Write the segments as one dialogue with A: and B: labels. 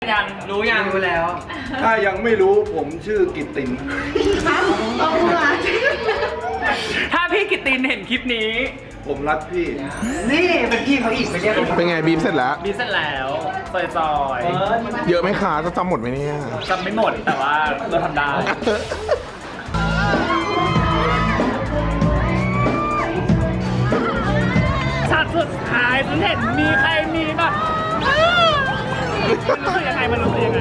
A: ยังรู้แล้ว
B: ถ้ายังไม่รู้ผมชื่อกิตติน
A: ถ้าพี่กิตตินเห็นคลิปนี้
B: ผมรักพี่
A: นี่เป็นพี่เขาอีกไปเรียก
C: เป็นไงบีบเสร็จแล้ว
A: บีเสร็จแล้วซอย
C: เยอะไหมคะจะจำหมดไหมเนี่ย
A: จำไม่หมดแต่ว่าเราทำได้ฉากสุดท้ายฉันเห็นมีใครมีแบบมันรู้สึกยังไง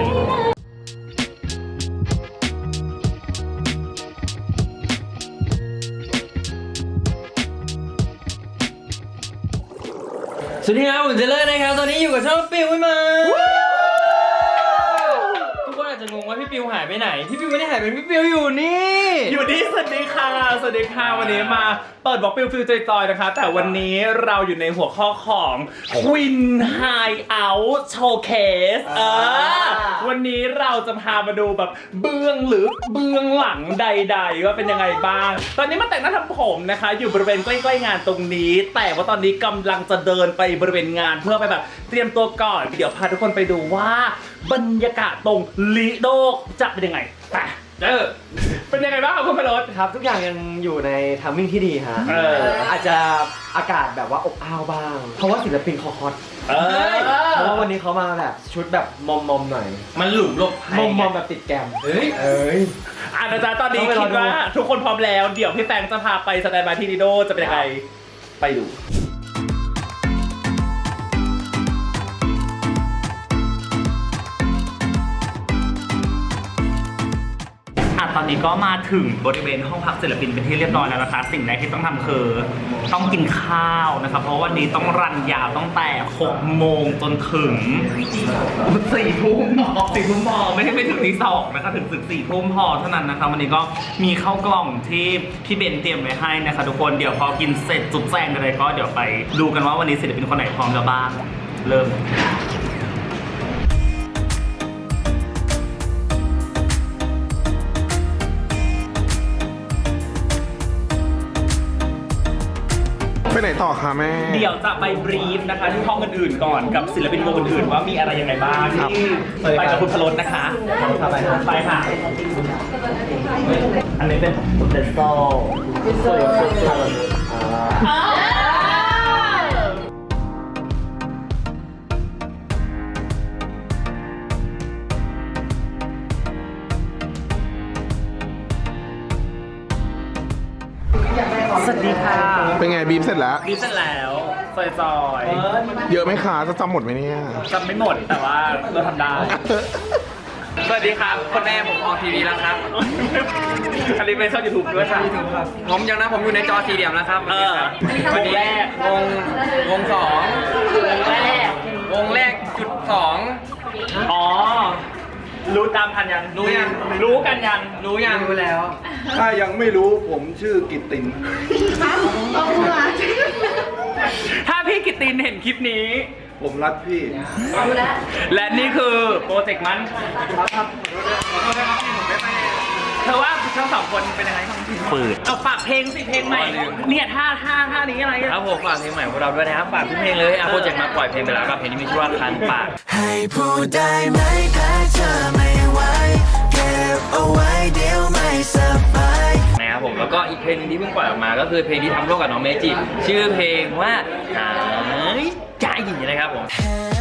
D: สวัสดีครับผมเจเลอร์นะครับตอนนี้อยู่กับช่องปิวไม่มาทุกคนอาจจะงงว่าพี่ปิวหายไปไหนพี่ปิวไม่ได้หายไปพี่ปิวอยู่นี่
A: สวัสดีค่ะวันนี้มาเปิดบล็อกฟิลจอยๆนะคะแต่วันนี้เราอยู่ในหัวข้อของ Queen Hideout Showcase วันนี้เราจะพามาดูแบบเบื้องลึกเบื้องหลังใดๆว่าเป็นยังไงบ้างตอนนี้มาแต่งหน้าทำผมนะคะอยู่บริเวณใกล้ๆงานตรงนี้แต่ว่าตอนนี้กำลังจะเดินไปบริเวณงานเพื่อไปแบบเตรียมตัวก่อนเดี๋ยวพาทุกคนไปดูว่าบรรยากาศตรงลิโดจะเป็นยังไงไปเป็นยังไงบ้างครับคุณพลด
D: ครับทุกอย่างยังอยู่ในทัมมิ่งที่ดีฮะอาจจะอากาศแบบว่าอบอ้าวบ้างเพราะว่าศิลปินเขาฮอตเพราะว่าวันนี้เขามาแบบชุดแบบมอมๆหน่อย
A: มันหลุมหลบภัย
D: มอมๆแบบติดแกม
A: นะจ๊ะตอนนี้คิดว่าทุกคนพร้อมแล้วเดี๋ยวพี่แฟงจะพาไปสแตนด์บายที่ลิโดจะเป็นยังไงไปดูตอนนี้ก็มาถึงบริเวณห้องพักศิลปินเป็นที่เรียบร้อยแล้วนะคะสิ่งแรกที่ต้องทำคือต้องกินข้าวนะครับเพราะวันนี้ต้องรันยาวตั้งแต่6 โมงจนถึง4 ทุ่มพอไม่ถึงตี 2นะคะถึง4 ทุ่มพอเท่านั้นนะคะวันนี้ก็มีข้าวกล่องที่พี่เบนเตรียมไว้ให้นะคะทุกคนเดี๋ยวพอกินเสร็จจุดแจงอะไรก็เดี๋ยวไปดูกันว่าวันนี้ศิลปินคนไหนพร้อมแล้วบ้างเริ่ม
C: ไปไหนต่อคะแม่
A: เดี๋ยวจะไปบรีฟนะคะที่ห้องอื่นๆก่อนกับศิลปินวงอื่นๆว่ามีอะไรยังไงบ้างที่ไปกับคุณพลดนะคะไปค่ะอันนี้เป็นเดนโซ่สวัสดีค่ะ
C: เป็นไงบีบเสร็จแล้ว
A: บีบเสร็จแล้วซอย
C: เยอะไหมคะจะจำหมดไหมเนี่ย
A: จำไม่หมดแต่ว่าเราทำได้สวัสดีครับคนแม่ผมออกทีวีแล้วครับอันนี้เป็นช่องยูทูบด้วยครับผมยังนะผมอยู่ในจอสี่เหลี่ยมแล้วครับวันนี้วง 2วงแรกจุด 2อ๋อรู้ตามทันยังรู้กันยังรู้แล้ว
B: ถ้ายังไม่รู้ผมชื่อกิตติน
A: ถ้าพี่กิตตินเห็นคลิปนี้
B: ผมรักพี่
A: และนี่คือโปรเจกต์มันเธอว่าทั้งสองคนเป็นยังไงบ้างฝืดเอาฝากเพลงสิเพลงใหม่เนี่ยท่านี้อะไร
D: ครับผมฝากเพลงใหม่ของเราด้วยนะครับฝากทุกเพลงเลยโปรเจกต์มาปล่อยเพลงไปแล้วครับเพลงนี้มีชื่อว่าคันปาก
E: ให้พูดได้ไหมถ้าเธอไม่ไหวเก็บเอาไว้เดี๋ยวไม่สบาย
D: นะครับผมแล้วก็อีกเพลงนึงที่เพิ่งปล่อยออกมาก็คือเพลงที่ทำร่วมกับน้องเมจิชื่อเพลงว่าหายใจนะครับผม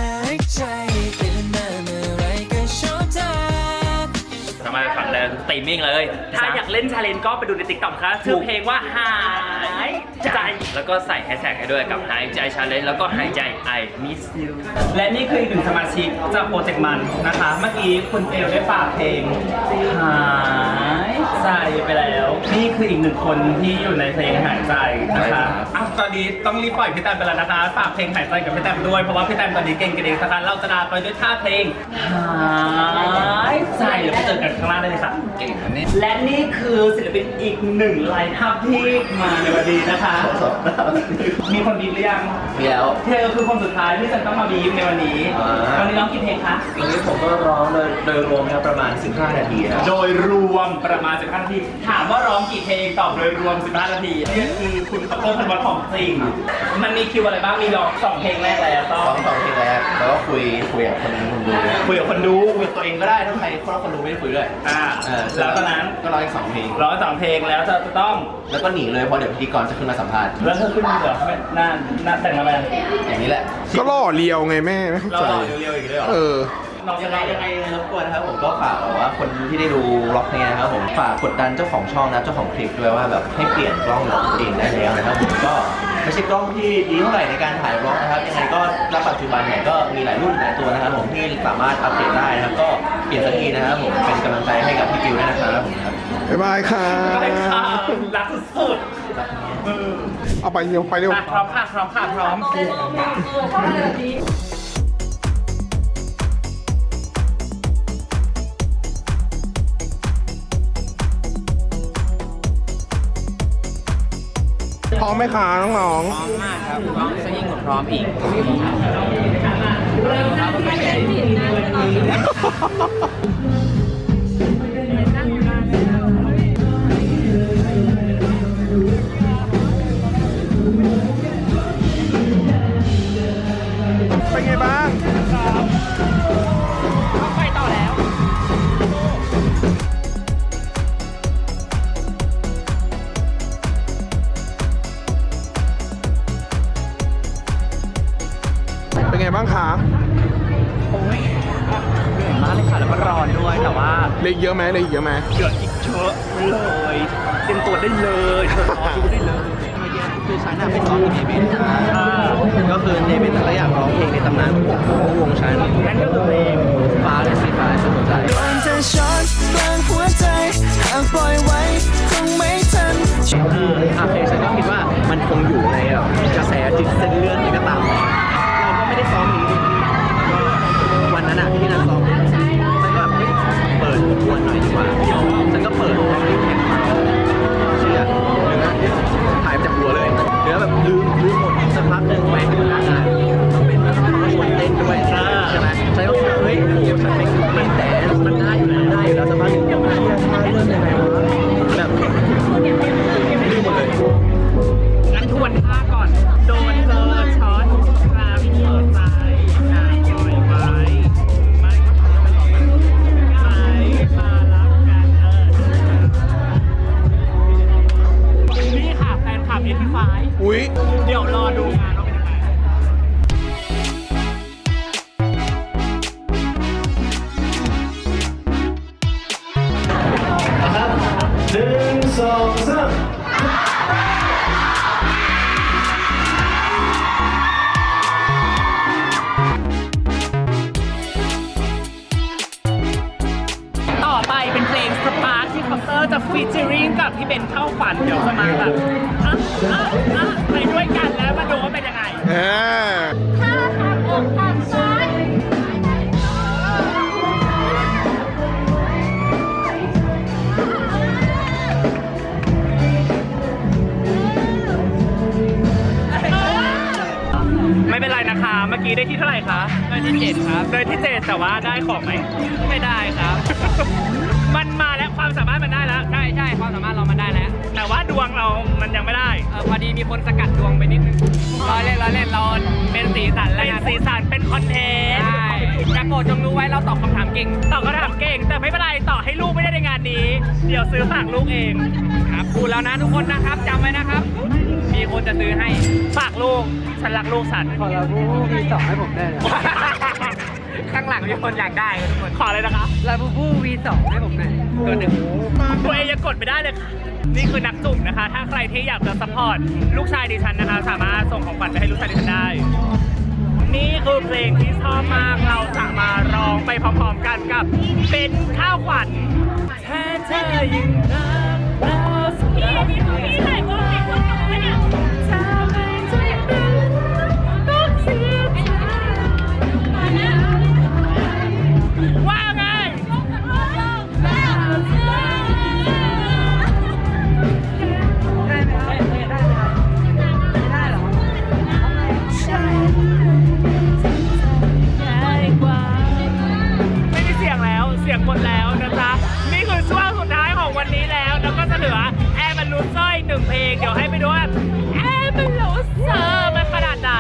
D: สามารถฟังได้สตรีมมิ่งเลย
A: ถ้าอยากเล่นชาเลนจ์ก็ไปดูใน TikTok ค่ะชื่อเพลงว่าหายใจ
D: แล้วก็ใส่แฮชแท็กให้ด้วยกับหายใจชาเลนจ์แล้วก็หายใจ I miss you
A: และนี่คืออีกหนึ่งสมาชิกจากโปรเจกต์มันนะคะเมื่อกี้คุณเอลได้ฝากเพลงหายใจไปแล้วนี่คืออีกหนึ่งคนที่อยู่ในเพลงหายใจนะคะตอนนี้ต้องรีบปล่อยพี่แตมไปแล้วนะคะฝากเพลงหายใจกับพี่แตมด้วยเพราะว่าพี่แตมตอนนี้เก่งกันเองนะคะเราจะลาไปด้วยท่าเพลงหายใจเดี๋ยวไปเจอกันข้างล่างได้เลยค่ะเก่งนี่และนี่คือศิลปินอีกหนึ่งไลน์อัพที่มาในวันนี้นะคะมีคนบีบหรือยัง
D: มีแล้ว
A: เธอคือคนสุดท้ายที่ฉันต้องมาบีบในวันนี้วันนี้ร้องกี่เพลงคะ
D: วันนี้ผมก็ร้องโดยรวมครับประมาณ15 นาทีนะ
A: โดยรวมประมาณ15 นาทีถามว่าร้องกี่เพลงตอบโดยรวม15 นาทีนี่คือคุณคอปเตอร์พันวัตของจริง มันมีคิวอะไรบ้างมีร้อง2 เพลงแรกแล้วต้อง
F: สองเพลงแรกแล้วก็คุยกับคนดู
A: คุยกับคนดู
F: คุยกับตัวเองก็ได้ถ้าใครคนดูไม่ได้คุยด้วย
A: แล้วตอนนั้น
F: ก็ร้องอีก2เพลง
A: ร้อง2 เพลงแล้วจะต้อง
F: แล้วก็หนีเลยเพราะเดี๋ยวพิธีกรจะขึ้นมาสัมภาษณ์
A: แล้วเธอขึ้นเหรอไม่น่าแต่งมาไหม
F: อย่างนี้แหละ
C: ก็ล่อเลียวไงแม่ไม่เข้า
A: เรา
C: ใจ
A: ต่อเร็วๆอีกเลยเหรอ
C: เออ
A: น้อง
F: ยั
A: ยัง ง
F: ไง
A: ไง
F: รบกวนนะครับผมก็ฝากแบบว่าคนที่ได้ดูล็อกนี้นะครับผมฝากกดดันเจ้าของช่องนะเจ้าของคลิปด้วยว่าแบบให้เปลี่ยนกล้องของตัวเองได้แล้วนะครับผมก็ไม่ใช่กล้องที่ดีเท่าไหร่ในการถ่ายบล็อกนะครับยังไงก็ณปัจจุบันเนี่ยก็มีหลายรุ่นหลายตัวนะครับผมที่สามารถอัปเดตได้นะครับก็เปลี่ยนสักทีนะครับผมเป็นกำลังใจให้กับพี่กิวด้วยนะครับผมครับ
C: บ๊ายบายค่ะ
A: ไปค่ะรักสุด
C: เอาไปเร็วไปเร็ว
A: พร้อมค่ะพร้อมค่ะพร้อม
C: พร้อมไหมคะน้อง
D: มากครับพร้อมจะยิ่งกว่าพร้อมอีก
C: ๆเป็นไงบ้าง
A: ไปต่อแล้ว
C: เป็นไงบ้างคะ
A: โอ้ยเหนื่อยมากเลยค่ะแล้วก็ร้อนด้วยแต่ว่า
C: เล็กเยอะไหมเล็กเยอะไหม
A: เดือดอีกเยอะเลยเตรียมตัวได้เลยเธอรอดูได้เลย
F: คือฉันน่ะไปซ้อมกับเดวิดก็คือเดวิดแต่ก็อยากร้องเพลงในตำนานของวงฉัน
A: นั่นก็คือเพลง
F: ฟ้าและสีฟ้าสุดหัวใจ
E: โดนเธอช็อตกลางหัวใจ หากปล่อยไว้คงไม่ทัน
F: เพลงฉันก็คิดว่ามันคงอยู่ในแบบกระแสจิตเส้นเลือดอะไรก็ตามเราก็ไม่ได้ซ้อมนี้ก็วันนั้นอ่ะที่นั่งซ้อมฉันก็แบบเฮ้ยเปิดทวนหน่อยดีกว่าฉันก็เปิดร้องเพลงแข่งมาเชื่อเนื้อหายไปจากหัวเลยเนื้อแบบลืมหมดสักพักหนึ่งแม่งอยู่หน้างานต้องเป็นแบบต้องชวนเต้นด้วยใช่ไหมฉันก็เฮ้ยโอ้โหฉันไม่แต่มันได้อยู่แล้วสักพักหนึ่งเฮ้ยเริ่มยังไงวะแบบลืมหมดเลย
A: งั้นทวนท่าก่อน โดนเธอช็อตครามหัวใจอยากปล่อยไว้ไม่มารักกันนี่ค่ะแฟนคลับ85
C: อุ๊ย
A: เดี๋ยวรอดูงานว่าเป็นยังไง ต่อไปเป็นเพลงสปาร์คที่คอปเตอร์จะฟีเจอริงกับพี่เบนเข้าฝันเดี๋ยวจะมาแบบไปด้วยกันแล้วมาดูว่าเป็นยังไง
G: ถ้าทางอกทางซ้าย
A: ไม่เป็นไรนะคะ เมื่อกี้ได้ที่เท่าไหร่คะ ได้ที่ 7 ครับ ได้ที่ 7 แต่ว่าได้ของไหม ไม่ได้ครับ มันมาแล้วความสามารถมันได้แล้ว ใช่ใช่ความสามารถเรามันได้แล้ว แต่ว่าดวงเรามันยังไม่ได้ พอดีมีคนสกัดดวงไปนิดนึงเราเล่นเราเป็นสีสันแล้วเป็นสีสันเป็นคอนเทนต์ ใช่แต่โปรดจงรู้ไว้เราตอบคำถามเก่ง ตอบคำถามเก่ง แต่ไม่เป็นไรต่อให้ลูกไม่ได้ในงานนี้ เดี๋ยวซื้อฝากลูกเอง ครับพูดแล้วนะทุกคนนะครับจำไว้นะครับ มีคนจะซื้อให้ฝากลูก ฉันรักลูกฉัน
D: ขอเราผู้มีสองให้ผมได้เลย
A: ข้างหลังมีคนอยากได้ทุกคนขอเลยนะคะ
D: ลาบูบู V2 ให้ผมหน่อยตัวหนึ่ง
A: ตัวเองยังกดไม่ได้เลยค่ะ นี่คือนักจุ่มนะคะ ถ้าใครที่อยากจะซัพพอร์ตลูกชายดิฉันนะคะ สามารถส่งของขวัญไปให้ลูกชายดิฉันได้ นี่คือเพลงที่ชอบมาก เราจะมาร้องไปพร้อมๆกันกับเป็นข้าวขวัญแท้เธอยิ่งรักเราสักทีนี่ถ่ายว่าเป็นคนของมันเนี่ยทำให้ใจเป็นต้องเสียใจว่าไง ไม่มีเสียงแล้ว เสียงหมดแล้วนะจ๊ะ นี่คือช่วงสุดท้ายของวันนี้แล้ว แล้วก็จะเหลือลูเซอร์อีก1เพลงเดี๋ยวให้ไปดูว่าเป็นลูเซอร์มันขนาดไหน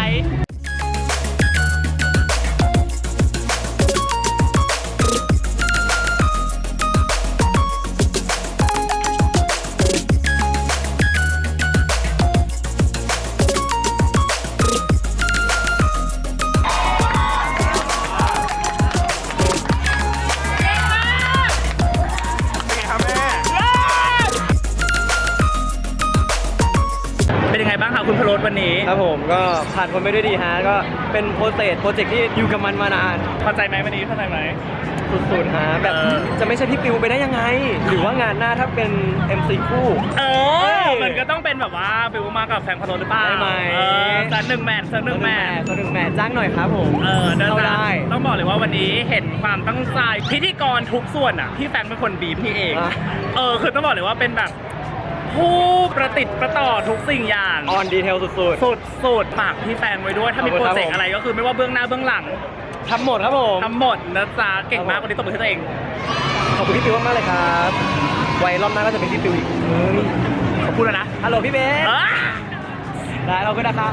A: เป็นยังไงบ้างคะคุณพโรสวันนี้
D: ครับผมก็ผ่านพ้นไปด้วยดีฮะก็เป็นโปรเจกต์ที่อยู่กับมันมานาน
A: พอใจไหมวันนี้พอใจไหม
D: สุดๆฮะแบบจะไม่ใช่พี่ปิวไปได้ยังไง หรือว่างานหน้าถ้าเป็น MC คู่
A: มันก็ต้องเป็นแบบว่าฟิวมากับแฟนพโรสหรือเปล่า
D: ได้ไหม
A: สัก1 แมตช์สัก1 แมตช์
D: ตัวหนึ่งแมทจ้างหน่อยครับผม
A: เดิน
D: เข้า
A: ทา
D: ได้
A: งต้องบอกเลยว่าวันนี้เห็นความตั้งใจพิธีกรทุกส่วนอ่ะพี่แฟงเป็นคนบีบพี่เอง
D: อ่ะ
A: คือต้องบอกเลยว่าเป็นแบบผู้ประติดประต่อทุกสิ่งอย่าง
D: ออนดีเทลสุด
A: สุดฝากพี่แฟงไว้ด้วยถ้ามี
D: ขอบคุ
A: โป
D: ณ
A: ร
D: ครับ
A: เจกต์อะไรก็คือไม่ว่าเบื้องหน้าเบื้องหลัง
D: ๆทำหมดครับผม
A: ทำหมดนะจ๊ะเก่งมากวันนี้ตบมือให้ตัวเอง
D: ขอบคุณพี่ปิวมากๆเลยครับ ไว้รอบหน้าก็จะเป็นพี่ปิวอีกเฮ้ย
A: ขอบคุณนะ
D: ฮัลโหลพี่เบสได้เราก็นะครับ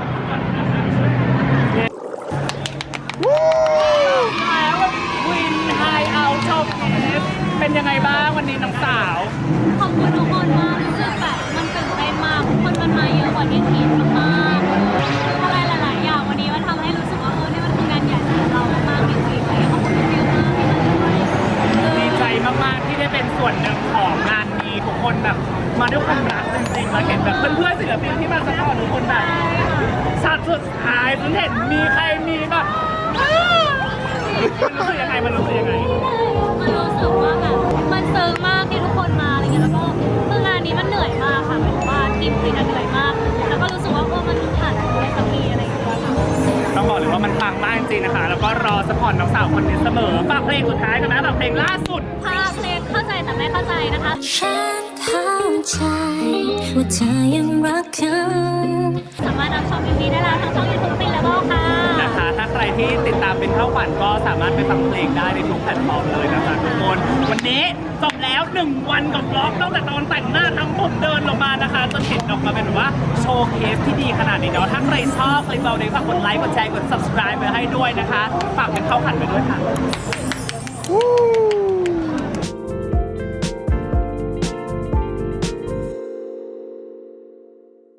A: แล้ววินไฮเอาชอบเป็นยังไงบ้างวันนี้น้องสาว
G: ขอบคุณทุกคนมากรู้สึกแบบมันตื่นเต้นมากคนมันมาเยอะกว่าที่คิดมากๆอะไรหลายๆอย่างวันนี้มันทำให้รู้สึกว่านี่มันคืองานใหญ่สำหรับเรามากๆจริงๆเลยขอบคุณพี่มากที่มาช่วย
A: ดีใจมากๆที่ได้เป็นส่วนหนึ่งของงานนี้ทุกคนแบบมาด้วยความรักจริงๆแล้วเห็นแบบเพื่อนๆศิลปินที่มาซัพพอร์ตทุกคนแบบฉากสุดท้ายฉันเห็นมีใครมีแบบมันรู้สึกยังไงมันรู้สึกยังไง
G: มันรู้สึกว่าแบบมันซึ้งมากที่ทุกคนมาอะไรเงี้ยแล้วก็คืองานนี้มันเหนื่อยมากค่ะหมายถึงว่าทีมผลิตเหนื่อยมาก แล้วก็รู้สึกว่ามันผ่านไปได้สักทีอะไรอย่างเงี้ยค่ะ
A: ต้องบอกเลยว่ามันปังมากจริงๆนะคะแล้วก็รอซัพพอร์ตน้องสาวคนนี้เสมอฝากเพลงสุดท้ายกันนะฝากเพลงล่าสุด
G: ถ้าเพลงเข้าใจแต่ไม่เข้าใจนะคะ
E: ฉันเข้าใจว่าเธอยังรักเขา
G: สามารถรับชม MV ได้แล้วทั้งช่อง YouTube ปินแล้วก็ค่ะ
A: นะคะถ้าใครที่ติดตามเป็นข้าวขวัญก็สามารถไปฟังเพลงได้ในทุกแพลตฟอร์มเลยนะคะทุกคนวันนี้จบแล้ว1 วันกับบล็อกตั้งแต่ตอนแต่งหน้าทั้งผมเดินลงมานะคะจนเห็นออกมาเป็นแบบว่าโชว์เคสที่ดีขนาดนี้เดี๋ยวถ้าใครชอบคลิปเราเนี่ยฝากกดไลค์กดแชร์กด subscribe ไปให้ด้วยนะคะฝากเป็นข้าวขวัญไปด้วยค่ะ